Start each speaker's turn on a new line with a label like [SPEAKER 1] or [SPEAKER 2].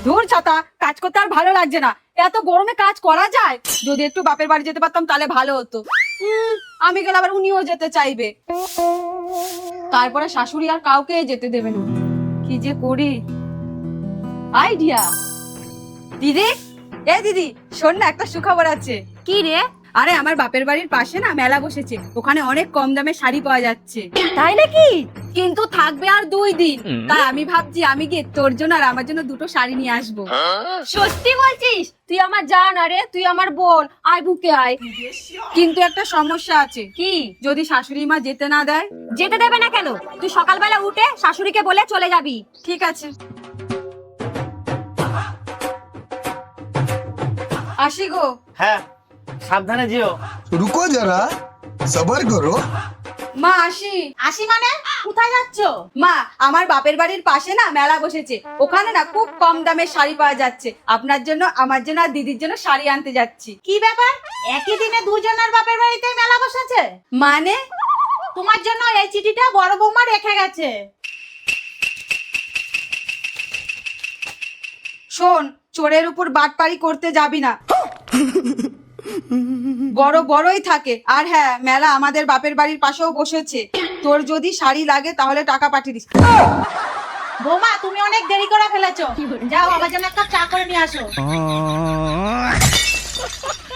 [SPEAKER 1] ধুর ছাতা, কাজ করতে আর ভালো লাগছে না। এত গরমে কাজ করা যায়? যদি একটু বাপের বাড়ি যেতে পারতাম তাহলে ভালো হতো। আমি গেলে আবার উনিও যেতে চাইবে, তারপরে শাশুড়ি আর কাউকে যেতে দেবে না। কি যে করি। আইডিয়া। দিদি, এ দিদি শোন না, একটা সুখবর আছে।
[SPEAKER 2] কি রে?
[SPEAKER 1] আরে আমার বাপের বাড়ির পাশে না মেলা বসেছে, ওখানে অনেক কম দামে শাড়ি পাওয়া যাচ্ছে।
[SPEAKER 2] তাই নাকি?
[SPEAKER 1] কিন্তু থাকবে আর 2 দিন। তাই আমি ভাবছি আমি গিয়ে তোর জন্য আর আমার জন্য দুটো শাড়ি নিয়ে আসবো।
[SPEAKER 2] সত্যি বলছিস? তুই আমার জান, আরে তুই আমার বোন, আয় বুকে আয়।
[SPEAKER 1] কিন্তু একটা সমস্যা আছে।
[SPEAKER 2] কি?
[SPEAKER 1] যদি শাশুড়ি মা যেতে না দেয়?
[SPEAKER 2] যেতে দেবে না কেন? তুই সকালবেলা উঠে শাশুড়িকে বলে চলে যাবি।
[SPEAKER 1] ঠিক আছে, আসি গো।
[SPEAKER 3] হ্যাঁ, সাবধানে যেও।
[SPEAKER 4] रुको जरा सबर करो।
[SPEAKER 1] মা আসি।
[SPEAKER 2] আসি মানে? কোথায় যাচ্ছ?
[SPEAKER 1] মা, আমার বাপের বাড়ির পাশে না মেলা বসেছে, ওখানে না খুব কম দামে শাড়ি পাওয়া যাচ্ছে। আপনার জন্য, আমার জন্য আর দিদির জন্য শাড়ি আনতে যাচ্ছি।
[SPEAKER 2] কি ব্যাপার? একই দিনে দুজনের বাপের বাড়িতে মেলা বসেছে?
[SPEAKER 1] মানে?
[SPEAKER 2] তোমার জন্য এই চিঠিটা বড় বৌমা রেখে গেছে।
[SPEAKER 1] শোন, চোরের উপর বাটপারি করতে যাবি না। বড় বড়ই থাকে। আর হ্যাঁ, মেলা আমাদের বাপের বাড়ির পাশেও বসেছে। তোর যদি শাড়ি লাগে তাহলে টাকা পাঠিয়ে দিস।
[SPEAKER 2] বৌমা, তুমি অনেক দেরি করে ফেলেছো। যাও, আমার জন্য একটা চা করে নিয়ে আসো।